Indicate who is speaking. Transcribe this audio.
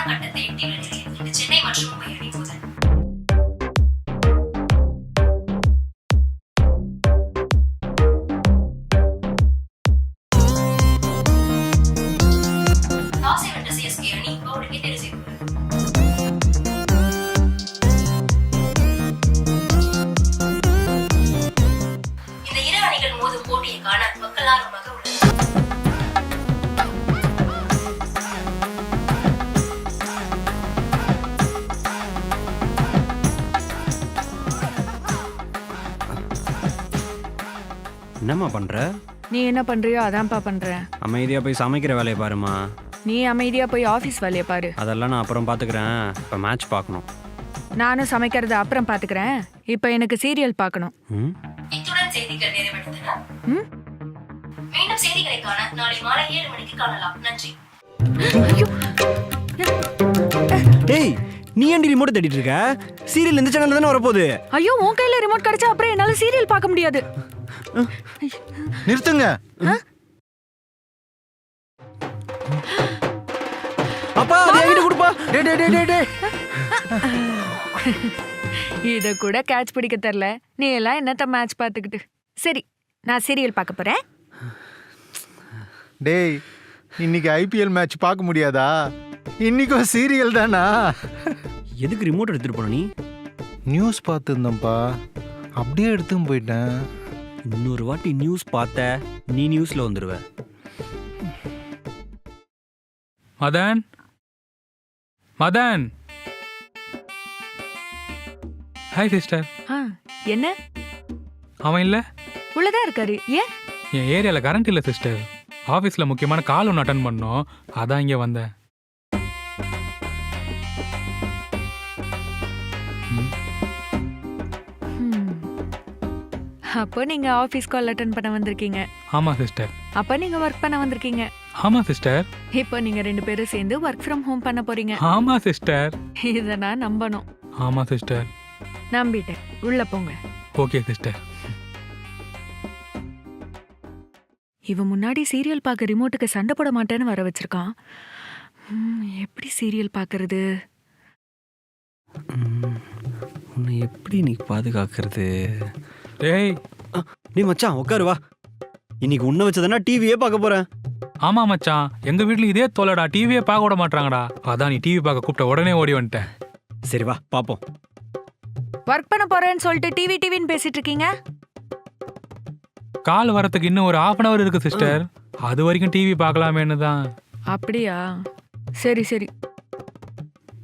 Speaker 1: கட்டத்தை எட்டியுள்ள நிலையில் இன்று சென்னை மற்றும் மும்பை அணி மோதல். டாஸை வென்ற சிஎஸ்கே அணி பவுலிங்கை தேர்வு செய்துள்ளது. இந்த இரு அணிகள் மோதும் போட்டியை காண மக்கள் ஆர்வமாக உள்ளது.
Speaker 2: என்னம்மா பண்ற?
Speaker 3: நீ என்ன பண்றியோ அதான்ப்பா பண்றேன்.
Speaker 2: அமைதியா போய் சமைக்கிற வேலையை பாருமா.
Speaker 3: நீ அமைதியா போய் ஆபீஸ் வேலையை பாரு.
Speaker 2: அதெல்லாம் நான் அப்புறம் பாத்துக்கிறேன். இப்ப மேட்ச் பார்க்கணும்.
Speaker 3: நானும் சமைக்கிறத அப்புறம் பாத்துக்கிறேன். இப்ப எனக்கு சீரியல் பார்க்கணும்.
Speaker 1: இத்துடன் செய்திகள் நிறைவடைந்தன. மீண்டும் செய்திகளை காண நாளை மாலை 7 மணிக்கு காணலாம். நன்றி.
Speaker 2: டேய், நீ ஏன்டி ரிமோட் தேடிட்டு இருக்க? சீரியல் இந்த சேனல்ல தானே வரப்போகுது.
Speaker 3: ஐயோ, உன் கையில ரிமோட் கிடைச்சா அப்புறம் என்னால சீரியல் பார்க்க முடியாது.
Speaker 4: நிறுத்துங்க.
Speaker 2: அப்பா அதை என்கிட்ட கொடுப்பா.
Speaker 4: டேய் டேய் டேய் டேய்.
Speaker 3: இத கூட கேட்ச் பிடிக்க தெரியல. நீ எல்லாம் என்னத்த மேட்ச் பார்த்துக்கிட்டு. சரி, நான் சீரியல் பார்க்க போறேன்.
Speaker 4: டேய், இன்னைக்கு ஐபிஎல் மேட்ச் பார்க்க முடியாதா? இன்னைக்கும் சீரியல் தானா?
Speaker 2: எதுக்கு ரிமோட் எடுத்துட்டு போன நீ?
Speaker 4: நியூஸ் பார்த்துருந்தேன்ப்பா, அப்படியே எடுத்துன்னு போயிட்டேன்.
Speaker 2: இன்னொரு வாட்டி நியூஸ் பார்த்த நீ நியூஸ்ல வந்துருவ.
Speaker 5: மதன், மதன். Hi sister.
Speaker 3: என்ன?
Speaker 5: அவன் இல்லை,
Speaker 3: உள்ளதான் இருக்காரு. ஏன்?
Speaker 5: என் ஏரியாவில் கரண்ட் இல்லை சிஸ்டர். ஆஃபீஸில் முக்கியமான கால் ஒன்று அட்டன் பண்ணோம், அதான் இங்கே வந்தேன்.
Speaker 3: அப்போ நீங்க ஆபீஸ் கால் அட்டெண்ட் பண்ண வந்திருக்கீங்க.
Speaker 5: ஆமாம் சிஸ்டர்.
Speaker 3: அப்ப நீங்க ஒர்க் பண்ண வந்திருக்கீங்க.
Speaker 5: ஆமாம் சிஸ்டர்.
Speaker 3: இப்போ நீங்க 2 பேரும் சேர்ந்து ஒர்க் ஃப்ரம் ஹோம் பண்ண போறீங்க.
Speaker 5: ஆமாம் சிஸ்டர்.
Speaker 3: இத நான் நம்பணும்.
Speaker 5: ஆமாம் சிஸ்டர்.
Speaker 3: நம்பிட்டேன். உள்ள போங்க.
Speaker 5: Okay sister.
Speaker 3: இவன் முன்னாடி சீரியல் பார்க்க ரிமோட்டுக்கு சண்டை போட மாட்டேன்னு வர வச்சிருக்கான். எப்படி சீரியல் பார்க்கறது?
Speaker 2: உன்னை எப்படி நீ பாதுகாக்கிறது?
Speaker 5: டேய்,
Speaker 2: நீ மச்சான் உட்காரு வா. இன்னைக்கு உன்னை வச்சதுன்னா டிவியே பார்க்க போறேன்.
Speaker 5: ஆமாம் மச்சான், எங்கள் வீட்டில் இதே தோலடா, டிவியே பார்க்க விட மாட்டாங்கடா. அதான் நீ டிவி பார்க்க கூப்பிட்ட உடனே ஓடி வந்துட்டேன்.
Speaker 2: சரி வா பாப்போம்.
Speaker 3: ஒர்க் பண்ண போறேன்னு சொல்லிட்டு டிவின்னு பேசிட்டு இருக்கீங்க.
Speaker 5: கால் வரத்துக்கு இன்னும் ஒரு 1/2 hour இருக்கு சிஸ்டர். அது வரைக்கும் டிவி பார்க்கலாமேன்னு தான்.
Speaker 3: அப்படியா? சரி சரி.